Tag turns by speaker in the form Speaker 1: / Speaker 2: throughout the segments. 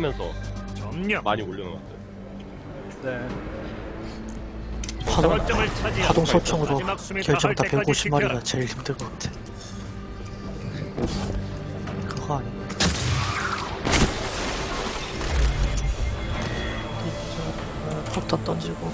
Speaker 1: 하면서
Speaker 2: 점령.
Speaker 1: 많이 올려놓았어요.
Speaker 3: 네.
Speaker 4: 파동 소총으로 결정타 150마리가 제일 힘든 것 같아. 그거 아니야. 폭탄 던지고.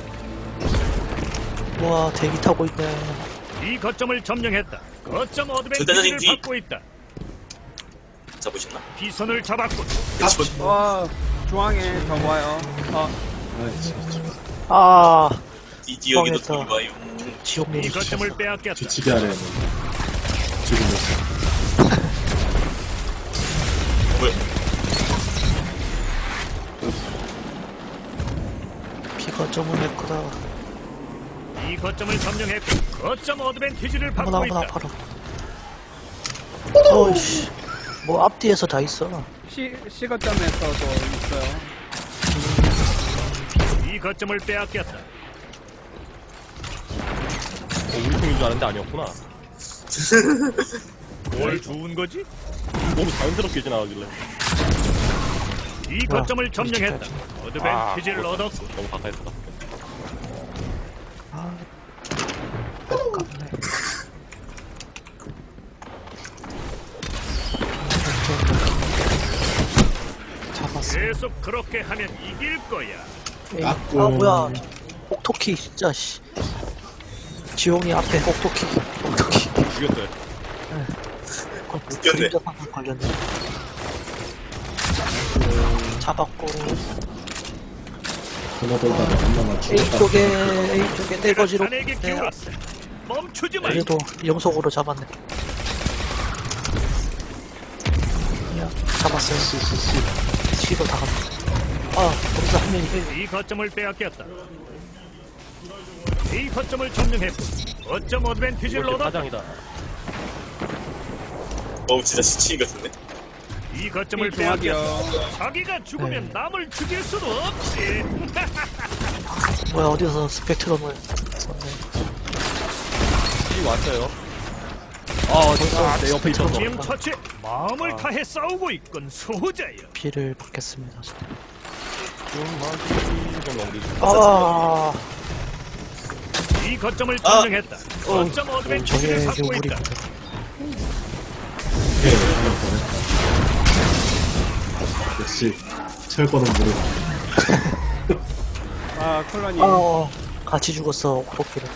Speaker 4: 와, 대기 타고 있네.
Speaker 2: 이 거점을 점령했다. 거점
Speaker 5: 대단히
Speaker 2: 어드밴티지를
Speaker 5: 뒤.
Speaker 2: 받고 있다.
Speaker 5: 잡으셨나?
Speaker 2: 비선을 잡았고.
Speaker 3: 중앙에 더 와요.
Speaker 4: 아,
Speaker 5: 여기도
Speaker 4: 뻥했다.
Speaker 5: 둘이 와요.
Speaker 4: 지옥님이
Speaker 2: 이 거점을
Speaker 4: 지쳤어.
Speaker 2: 빼앗겼다.
Speaker 6: 뒤치기 하네. 죽이면서.
Speaker 5: 뭐야?
Speaker 4: 비거점은 내 거다.
Speaker 2: 이 거점을 점령했고 거점 어드밴티지를
Speaker 4: 어머나,
Speaker 2: 받고
Speaker 4: 어머나,
Speaker 2: 있다.
Speaker 4: 바로. 어이씨. 뭐 앞뒤에서 다 있어.
Speaker 3: 시거점에서도 있어요.
Speaker 2: 이 거점을 빼앗겼다.
Speaker 1: 우리 팀인 줄 알았는데 아니었구나.
Speaker 2: 뭘 주운 거지?
Speaker 1: 너무 자연스럽게 지나가길래.
Speaker 2: 이 거점을 점령했다. 어드밴티지를
Speaker 1: 아,
Speaker 2: 얻었고.
Speaker 1: 너무 가까이 있다.
Speaker 4: 아, 아깝네. 잡았어.
Speaker 2: 계속 그렇게 하면 이길 거야.
Speaker 4: 에이, 아, 뭐야. 혹토키, 진짜, 씨. 지용이 앞에 혹토키.
Speaker 1: 죽였어요.
Speaker 4: 그림자 방금 걸렸네. 잡았고.
Speaker 6: 하나 돌다가 하나만 죽었다.
Speaker 4: A쪽에 떼거지로.
Speaker 2: 자네에게 기울었어. 멈추지 마.
Speaker 4: 그래도 영속으로 잡았네. 야, 잡았어요. C로 다 갑니다. 아, 거기서 한 명이
Speaker 2: 이 거점을 빼앗겼다. 이 거점을 점령했고 거점 어드밴티지를
Speaker 1: 이렇게
Speaker 2: 얻었다.
Speaker 1: 사장이다.
Speaker 5: 진짜 시치인 같은데?
Speaker 2: 이 거점을
Speaker 3: 중앙이요.
Speaker 2: 빼앗겼다. 자기가 죽으면
Speaker 4: 네.
Speaker 2: 남을 죽일 수도 없지.
Speaker 4: 뭐야, 어디서 스펙트럼을 썼네.
Speaker 1: 이 왔어요. 내 옆에 있었어.
Speaker 2: 지금 처치 마음을 다해 싸우고 있건 소호자여.
Speaker 4: 피를 받겠습니다.
Speaker 1: 좀 마무리.
Speaker 4: 아,
Speaker 2: 이 거점을 점령했다. 거점
Speaker 4: 저게
Speaker 2: 어드밴티지를 받고
Speaker 4: 우리
Speaker 2: 있다.
Speaker 6: 역시 철거는 모르고.
Speaker 3: 콜라니.
Speaker 4: 같이 죽었어, 혹토키를.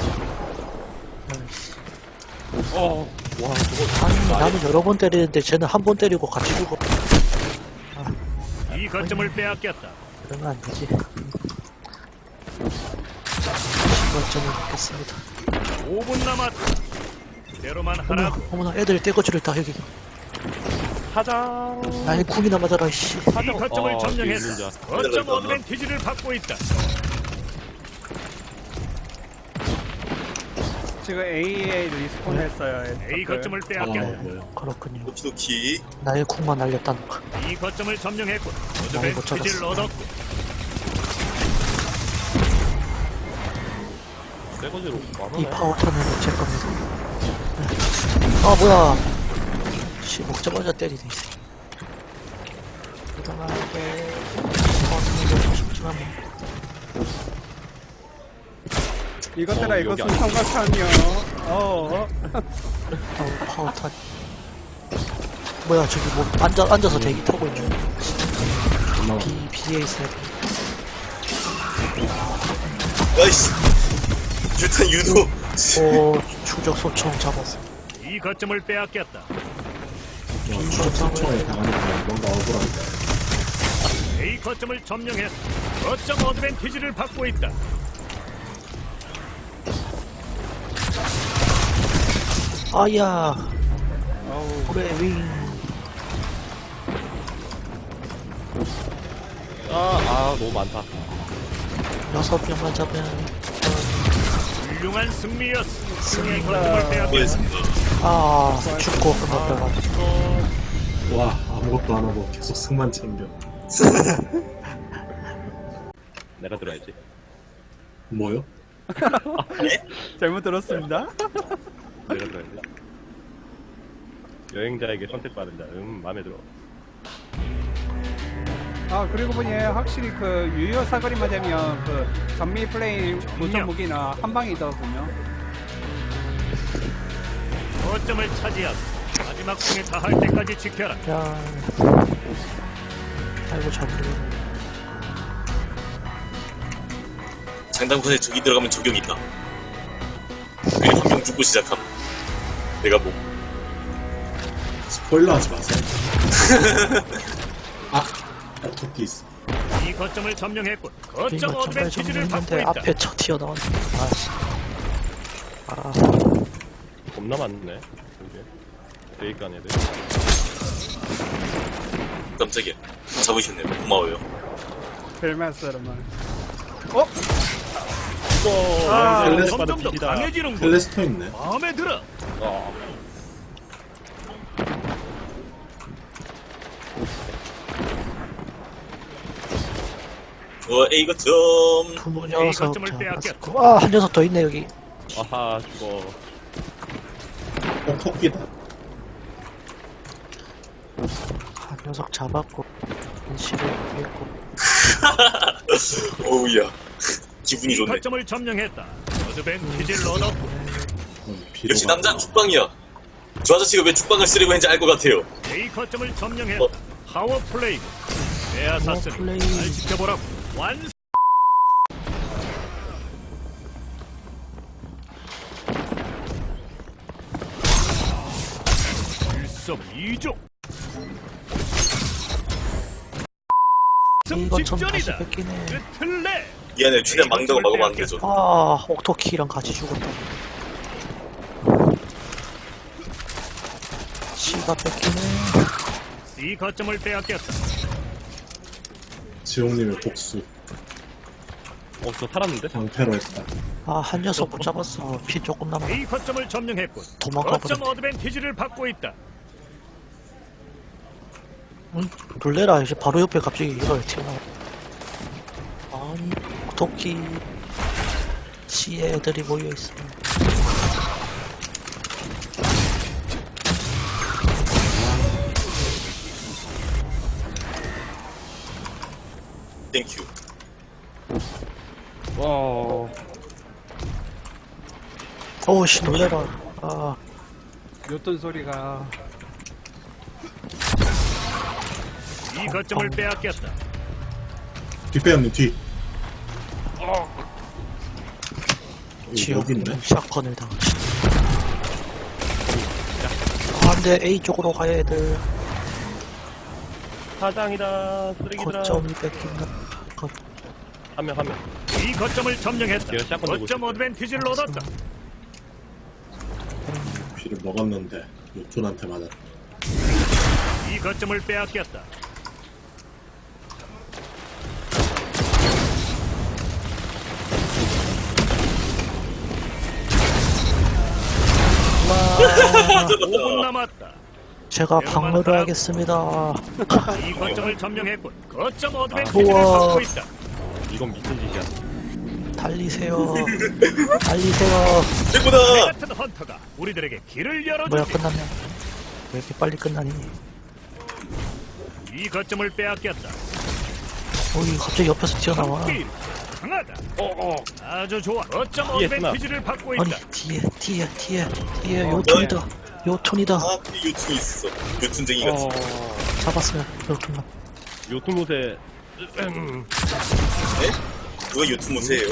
Speaker 1: 와,
Speaker 4: 아니, 나는 여러 번 때리는데 쟤는 한 번 때리고 같이 죽어.
Speaker 2: 이 거점을 빼앗겼다.
Speaker 4: 그러면 안 되지. 시발점을 받겠습니다.
Speaker 2: 5분 남았다. 그대로만
Speaker 4: 어머나,
Speaker 2: 하라고.
Speaker 4: 어머나, 애들 떼거지를 다 여기.
Speaker 1: 사장.
Speaker 4: 나의 궁이나 맞아라, 씨.
Speaker 2: 이 거점을 점령했다.
Speaker 1: 있는 자.
Speaker 2: 거점 어드밴티지를 받고 있다.
Speaker 3: 지금 A에 리스폰 했어요.
Speaker 2: A 거점을 빼앗겼다.
Speaker 6: 뭐야.
Speaker 4: 그렇군요.
Speaker 5: 오키도키.
Speaker 4: 나의 궁만 날렸다는 거.
Speaker 2: 이 거점을 점령했고
Speaker 4: 많이 못
Speaker 2: 어드밴티지를
Speaker 4: 잡았어.
Speaker 2: 얻었고.
Speaker 1: 새거지로
Speaker 4: 이
Speaker 1: 많아요.
Speaker 4: 파워탄은 제 겁니다. 아, 뭐야. 씨, 먹자마자 때리네. 부당하게 파워탄을 넣고 싶지만 뭐.
Speaker 3: 이것들아
Speaker 1: 여기
Speaker 3: 이것은
Speaker 1: 아니야.
Speaker 3: 삼각탄이요.
Speaker 4: 파워탄. 뭐야, 저기 뭐, 앉아서 대기 타고 있네. BA 셋.
Speaker 5: 나이스. 유탄 유도.
Speaker 4: 오, 추적 소총 잡았어.
Speaker 2: 이 거점을 빼앗겼다.
Speaker 6: 소총에 당하니까 뭔가 억울한데.
Speaker 2: A 거점을 점령했다. 거점 어드밴티지를 받고 있다.
Speaker 4: 아야, 그래, 윙.
Speaker 1: 너무 많다.
Speaker 4: 6명만 잡으면,
Speaker 2: 훌륭한 승리였어. 이 거점을 빼앗겼다.
Speaker 5: 뭐였습니다.
Speaker 4: 죽고 끝났다가.
Speaker 6: 와, 아무것도 안 하고 계속 승만 챙겨.
Speaker 1: 내가 들어야지.
Speaker 6: 뭐요?
Speaker 3: 잘못 들었습니다.
Speaker 1: 내가 들어야지. 여행자에게 선택받은 자. 마음에 들어.
Speaker 3: 아 그리고 보니 확실히 그 유효 사거리만 되면 그 전미 플레이 보정 무기는 한 방이더군요.
Speaker 2: 거점을 차지하고 마지막 공에 닿을 때까지 지켜라.
Speaker 4: 야. 아이고, 잡으려.
Speaker 5: 장단권에 적이 들어가면 적용이 있다. 그리고 한 명 죽고 시작함. 내가 뭐
Speaker 6: 스포일러 하지 마세요. 아, 토끼 있어.
Speaker 2: 이 거점을 점령했군.
Speaker 4: 이거
Speaker 2: 거점
Speaker 4: 정말
Speaker 2: 어드밴티지를 받고
Speaker 4: 정리했는데
Speaker 2: 있다.
Speaker 4: 앞에 쳐 튀어나왔네. 아씨. 아,
Speaker 1: 겁나 많네. 이게. 대입간 애들.
Speaker 5: 깜짝이야. 잡으셨네요. 고마워요.
Speaker 3: 벨마스르만.
Speaker 2: 아,
Speaker 6: 텔레스
Speaker 2: 점점 더
Speaker 1: 받은
Speaker 2: 강해지는군.
Speaker 6: 텔레스토 있네.
Speaker 2: 마음에 들어.
Speaker 5: A 거점.
Speaker 4: 두
Speaker 2: 이
Speaker 4: 녀석
Speaker 2: 거점을 빼앗겼다.
Speaker 4: 잡았고. 아, 한 녀석 더 있네, 여기.
Speaker 1: 아하, 죽어.
Speaker 6: 토끼다.
Speaker 4: 한 녀석 잡았고. 인시를 했고.
Speaker 5: 어우야. 기분이
Speaker 2: 이
Speaker 5: 좋네.
Speaker 2: 거점을 점령했다. 어드밴티지를 얻었고.
Speaker 5: 역시 남자는 죽방이야. 저 아저씨가 왜 죽방을 쓰려고 했는지 알 것 같아요.
Speaker 2: A 거점을 점령했다. 파워 플레이. 에아사스는
Speaker 4: 플레이.
Speaker 2: 잘 지켜보라고. 완. 일석이조. 승
Speaker 4: 이거 좀 다시
Speaker 2: 직전이다.
Speaker 4: 뺏기네.
Speaker 2: 끝을 내.
Speaker 5: 미안해. 최대한 망다고 막으면 안 되죠.
Speaker 4: 아, 옥토키랑 같이 죽었다. 씨가 뺏기네.
Speaker 2: 이 거점을 빼앗겼다.
Speaker 6: 지옥님의 복수.
Speaker 1: 저 살았는데?
Speaker 6: 방패로 했다.
Speaker 4: 아, 한 녀석 못 잡았어. 피 조금 남아.
Speaker 2: 이 거점을 점령했군.
Speaker 4: 도망가
Speaker 2: 거점
Speaker 4: 버렸네.
Speaker 2: 어드밴티지를 받고 있다.
Speaker 4: 응? 놀래라. 이제 바로 옆에 갑자기 이걸 튀어나와. 아니, 옥토키. 씨의 애들이 모여있어.
Speaker 5: 땡큐.
Speaker 1: 와.
Speaker 4: 어우씨, 놀래라. 아,
Speaker 3: 요떤 소리가.
Speaker 2: 이 거점을 빼앗겼다.
Speaker 6: 뒷배언니 뒤. 여기 있네.
Speaker 4: 지옥 샷건을 당하시. 아, 근데 A 쪽으로 가야 애들.
Speaker 1: 사장이다. 쓰레기들아.
Speaker 4: 거점이 뺏긴다.
Speaker 1: 한 명.
Speaker 2: 이 거점을 점령했다.
Speaker 1: 걔가 샷건 들고
Speaker 2: 거점
Speaker 1: 있었대.
Speaker 2: 어드밴티지를 얻었다.
Speaker 6: 피를 먹었는데 요tun한테 맞았다.
Speaker 2: 이 거점을 빼앗겼다.
Speaker 4: 와,
Speaker 2: 5분 남았다.
Speaker 4: 제가 방어를 하겠습니다.
Speaker 2: 이 거점을 점령했군. 거점 어드밴티지를
Speaker 4: 우와.
Speaker 2: 받고 있다.
Speaker 1: 이건 미친 짓이야.
Speaker 4: 달리세요. 달리세요.
Speaker 2: 내
Speaker 5: 최고다.
Speaker 2: 같은 헌터가 우리들에게 길을
Speaker 4: 뭐야,
Speaker 2: 열어주지.
Speaker 4: 끝났냐? 왜 이렇게 빨리 끝나니?
Speaker 2: 이 거점을 빼앗겼다.
Speaker 4: 어이, 갑자기 옆에서 튀어나와.
Speaker 2: 길 강하다. 아주 좋아. 거점
Speaker 1: 뒤에
Speaker 2: 어드밴티지를 받고
Speaker 4: 아니,
Speaker 2: 있다.
Speaker 4: 뒤에 요톤이다. 요톤이다.
Speaker 5: 아, 요툰이 있어. 요툰쟁이 같이.
Speaker 4: 잡았어요, 요톤만.
Speaker 1: 요트못에
Speaker 5: 누가 요툰 모세예요?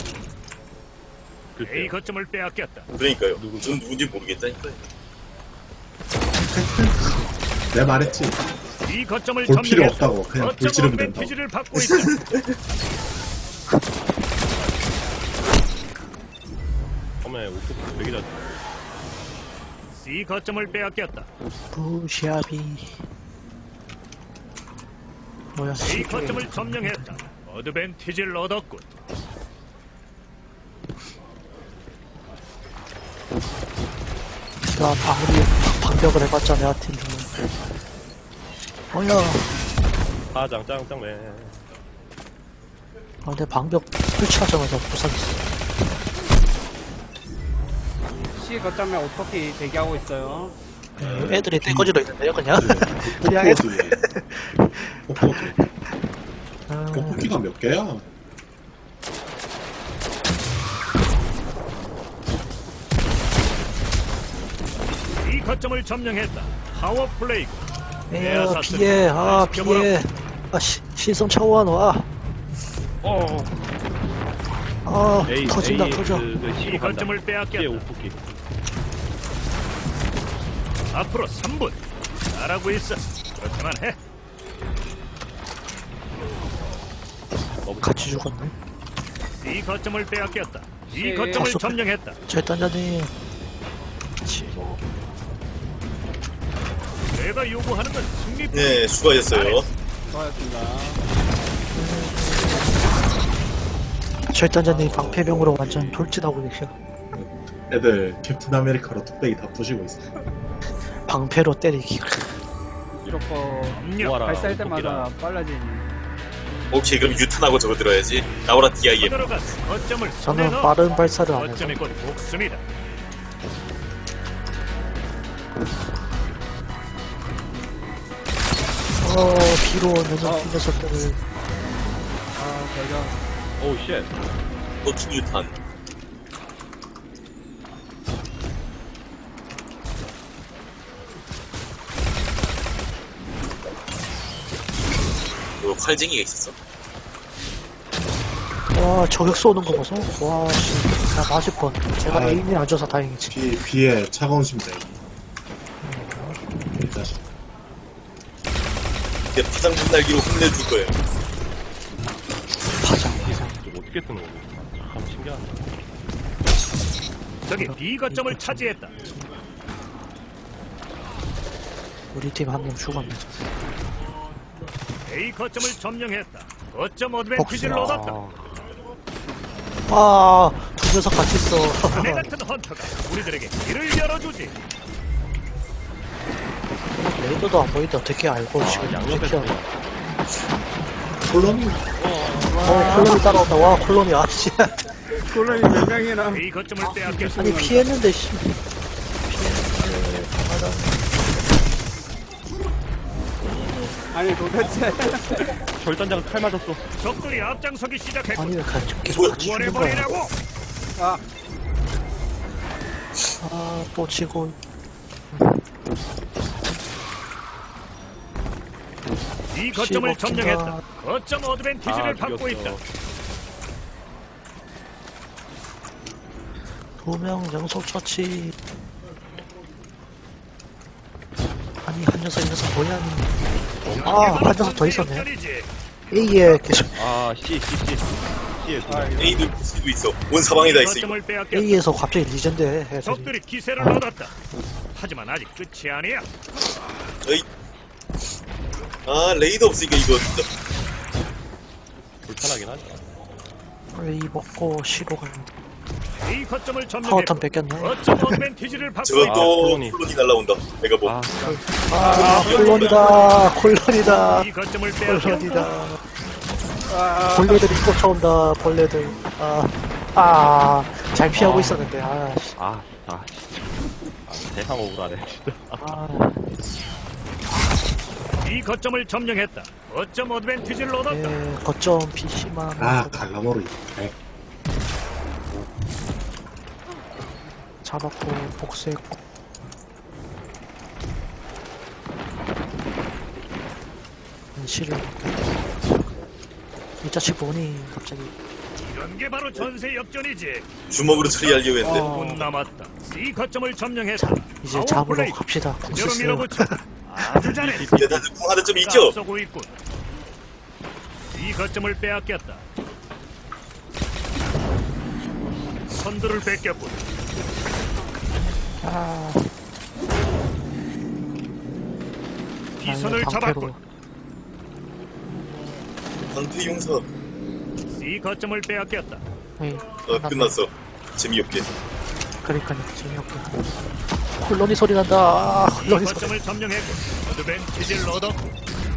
Speaker 2: A 거점을 빼앗겼다.
Speaker 5: 그러니까요. 전 누군지 모르겠다니까요.
Speaker 6: 내가 말했지.
Speaker 2: 이 거점을
Speaker 6: 볼 필요
Speaker 2: 점령했다.
Speaker 6: 없다고. 그냥
Speaker 2: 거점
Speaker 6: 불지르면 된다고.
Speaker 2: 어드밴티지를 받고 있다.
Speaker 1: 처음에 오토 되게 잘.
Speaker 2: C 거점을 빼앗겼다.
Speaker 4: 부샤비. 뭐야,
Speaker 2: A 거점을 점령했다. 어드밴티지를 얻었군.
Speaker 4: 나 방벽을 해봤자 내한테 죽는. 뭐야.
Speaker 1: 사장 짱짱맨.
Speaker 4: 아, 내 방벽 설치하자마자 부상했어.
Speaker 3: C 거점에 오토키 대기하고 있어요.
Speaker 4: 애들이 떼거지로 있는데요, 그냥? 그냥 애들.
Speaker 6: 폭포 뒤에. 폭포 뒤에. 떡볶이가 몇 개야?
Speaker 2: 이 거점을 점령했다. 파워 플레이.
Speaker 4: 에어 피해 피해 신성 차원 와
Speaker 1: A
Speaker 4: 터진다
Speaker 1: A
Speaker 4: 터져
Speaker 1: 그
Speaker 2: 이
Speaker 1: C로 간다.
Speaker 2: 거점을
Speaker 1: C에
Speaker 2: 빼앗겼다.
Speaker 1: 오프기.
Speaker 2: 앞으로 3분. 잘하고 있어. 그렇게만 해.
Speaker 4: 같이 죽었네
Speaker 2: 이 거점을 빼앗겼다. 이
Speaker 3: 예.
Speaker 2: 거점을
Speaker 4: 아,
Speaker 2: 점령했다.
Speaker 4: 절단자님
Speaker 2: 내가 요구하는 건 승리.
Speaker 5: 네, 수고하셨어요.
Speaker 3: 수고하셨습니다.
Speaker 4: 절단자님 방패병으로 완전 돌진하고 계셔
Speaker 6: 애들 캡틴 아메리카로 뚝배기 다 부시고 있어.
Speaker 4: 방패로 때리기
Speaker 3: 이렇게
Speaker 2: 점령.
Speaker 1: 모아라.
Speaker 3: 발사할 때마다
Speaker 1: 오프기랑.
Speaker 3: 빨라지니.
Speaker 5: 오케이, 그럼 유탄하고 저거 들어야지. 나오라 DIM.
Speaker 2: 들어갔어. 거점을 손에
Speaker 4: 저는
Speaker 2: 넣어.
Speaker 4: 빠른 발사를 안 해서
Speaker 2: 거점이 곧 목숨이다.
Speaker 4: 비로 오는 이 녀석들을
Speaker 3: 아, 대전.
Speaker 1: 오우 쉣.
Speaker 5: 또킹 유탄. 뭐 칼쟁이가 있었어?
Speaker 4: 와 저격 쏘는 거 보소 와씨 나 맞을 뻔 제가
Speaker 6: 아.
Speaker 4: 에임이 안 줘서 다행이지
Speaker 6: 비에 차가운 심장. 이 자식.
Speaker 5: 내 파장 분날기로 혼내줄 거예요.
Speaker 4: 파장
Speaker 1: 좀 어떻게 뜨는 거지? 참 신기하네.
Speaker 2: 저기 B 거점을 차지했다.
Speaker 4: 우리 팀 한 명 죽었네
Speaker 2: A 거점을 점령했다. 거점 어드밴티지를
Speaker 4: 복수
Speaker 2: 얻었다.
Speaker 4: 두 녀석 같이 있어
Speaker 2: 내 같은 헌터가 우리들에게 길을 열어주지.
Speaker 4: 레이더도 안 보이는데 어떻게 알고 지금
Speaker 1: 양옆에
Speaker 4: 피하고
Speaker 6: 콜론이
Speaker 4: 콜론이 따라온다 와 콜론이 아씨
Speaker 3: 콜론이 몇 명이나.
Speaker 2: A 거점을 빼앗겼다.
Speaker 4: 아니 피했는데 씨
Speaker 3: 아니, 도대체.
Speaker 1: 절단자가 칼 맞았어.
Speaker 2: 적들이 앞장서기 시작했고
Speaker 4: 아니 왜 계속 같이 죽는 거야
Speaker 2: 원해버리라고.
Speaker 3: 아,
Speaker 4: 또 치고
Speaker 2: 이 거점을
Speaker 4: 씹어
Speaker 2: 점령했다. 거점 어드밴티지를 받고
Speaker 1: 죽였어.
Speaker 2: 있다.
Speaker 4: 2명 연속 처치 아니 한 녀석 이 녀석 뭐야 한 녀석 더 있었네
Speaker 2: 역전이지.
Speaker 4: A에 계속
Speaker 1: 아 C C에 두 명.
Speaker 5: A도 C도 있어. 온 사방에 다 있어. 이거.
Speaker 2: 거점을 빼앗겼다.
Speaker 4: A에서 갑자기 리전드 해
Speaker 2: 적들이 기세를 얻었다. 하지만 아직 끝이 아니야.
Speaker 5: 어이. 아, 레이더 없으니까 이거 진짜.
Speaker 1: 불편하긴 하지.
Speaker 4: A 먹고 C로 가는
Speaker 2: 이 거점을 점령했고
Speaker 4: 파워턴 뺏겼네
Speaker 2: 거점 어드밴티지를 받고
Speaker 5: 저건
Speaker 2: 있다.
Speaker 5: 또
Speaker 1: 콜론이.
Speaker 5: 콜론이 날라온다. 메가bomb.
Speaker 4: 콜론이다
Speaker 2: 이 거점을 빼앗겼다.
Speaker 4: 콜론이다 벌레들이 쫓아온다 벌레들 잘 피하고 있었는데 씨.
Speaker 1: 진짜. 세상 억울하네, 진짜.
Speaker 2: 이 거점을 점령했다. 거점 어드밴티지를 얻었다.
Speaker 4: 거점 PC만
Speaker 6: 갈라모르.
Speaker 4: 잡았고 복수했고 실을 이 자식 보니 갑자기
Speaker 2: 이런 게 바로 전세 역전이지.
Speaker 5: 주먹으로 처리하려고 했는데.
Speaker 2: 5분 남았다. C 거점을 점령했다.
Speaker 4: 이제
Speaker 2: 파워
Speaker 4: 잡으러
Speaker 2: 플레이.
Speaker 4: 갑시다
Speaker 2: 그대로
Speaker 4: 복수
Speaker 2: 밀어붙여. 아주 잘해.
Speaker 5: 야, 다들 궁하는 점 있죠?
Speaker 2: 앞서고 있군. 이 거점을 빼앗겼다. 선두를 뺏겼군. 비선을 잡았군.
Speaker 5: 방패 용사.
Speaker 2: C 거점을 빼앗겼다.
Speaker 5: 끝났어. 재미없게.
Speaker 4: 그러니까 재미없게 콜로니 소리 난다
Speaker 2: 이
Speaker 4: 콜로니 소리
Speaker 2: 거점을 점령했고 어드밴티지를 얻었고.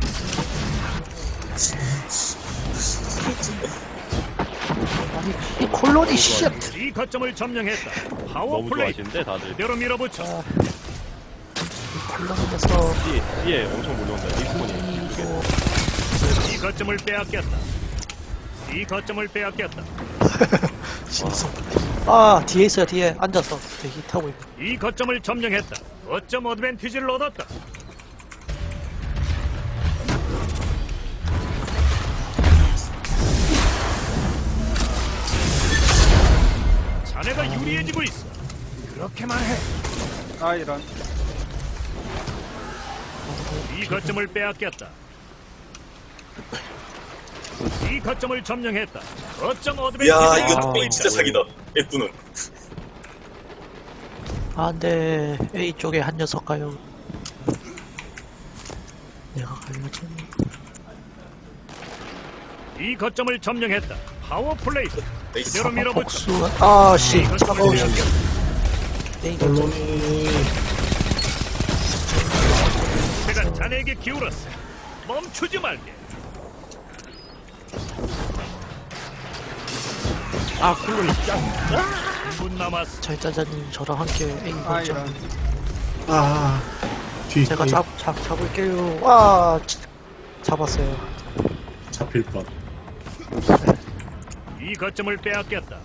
Speaker 4: 아니 이 콜로니 쉣
Speaker 2: 이 거점을 점령했다. 파워
Speaker 1: 너무
Speaker 2: 플레이.
Speaker 1: 좋아하시는데, 다들.
Speaker 2: 그대로 밀어붙여.
Speaker 4: 콜로니 녀석
Speaker 1: C에 엄청 몰려온다. 리스폰이.
Speaker 2: 이 거점을 빼앗겼다. B 거점을 빼앗겼다.
Speaker 4: 신성. 아, 뒤에 있어요, 뒤에. 앉아서 대기 타고 있고.
Speaker 2: 이 거점을 점령했다. 거점 어드밴티지를 얻었다. 자네가 유리해지고 있어. 그렇게만 해.
Speaker 3: 아, 이런.
Speaker 2: 이 거점을 빼앗겼다. 이 거점을 점령했다. 거점 어드밴티지.
Speaker 5: 야 이거 뚝배기 진짜 사기다. F는
Speaker 4: 아, 근데 A 쪽에 한 녀석 가요. 내가 가려지.
Speaker 2: 이 거점을 점령했다. 파워 플레이.
Speaker 5: 나이스.
Speaker 2: 그대로 밀어붙여.
Speaker 4: 복수. 아, 씨.
Speaker 2: 이 거점을
Speaker 4: 차가워.
Speaker 2: 빼앗겼다.
Speaker 4: A 거점.
Speaker 6: 언론이
Speaker 2: 제가 자네에게 기울었어. 멈추지 말게.
Speaker 1: 아, 쿨러이 짱.
Speaker 2: 1분 남았어.
Speaker 4: 절단자님 저랑 함께 A
Speaker 3: 아,
Speaker 4: 거점.
Speaker 3: 이런.
Speaker 6: 아 뒤.
Speaker 4: 제가 잡을게요. 와, 잡았어요.
Speaker 6: 잡힐 뻔.
Speaker 2: 이 거점을 빼앗겼다.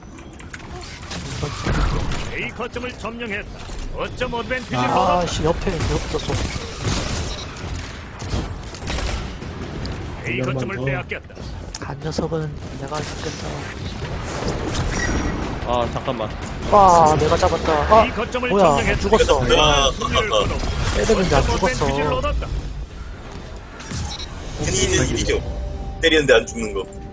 Speaker 2: A 거점을 점령했다. 거점 어드밴티지를
Speaker 4: 아,
Speaker 2: 얻었다.
Speaker 4: 씨, 옆에 쏘.
Speaker 2: A 거점을
Speaker 6: 더.
Speaker 2: 빼앗겼다.
Speaker 4: 한 녀석은 내가 죽겠다.
Speaker 1: 아, 잠깐만.
Speaker 4: 와, 내가 잡았다.
Speaker 2: 이
Speaker 4: 아,
Speaker 2: 거점을
Speaker 4: 뭐야,
Speaker 2: 점령했다.
Speaker 4: 죽었어.
Speaker 5: 아,
Speaker 2: 승리를 거둬.
Speaker 4: 때렸는데 안
Speaker 2: 거점
Speaker 4: 죽었어.
Speaker 2: 어드밴티지를 얻었다.
Speaker 5: 괜히 이겨. 때리는데 안 죽는 거.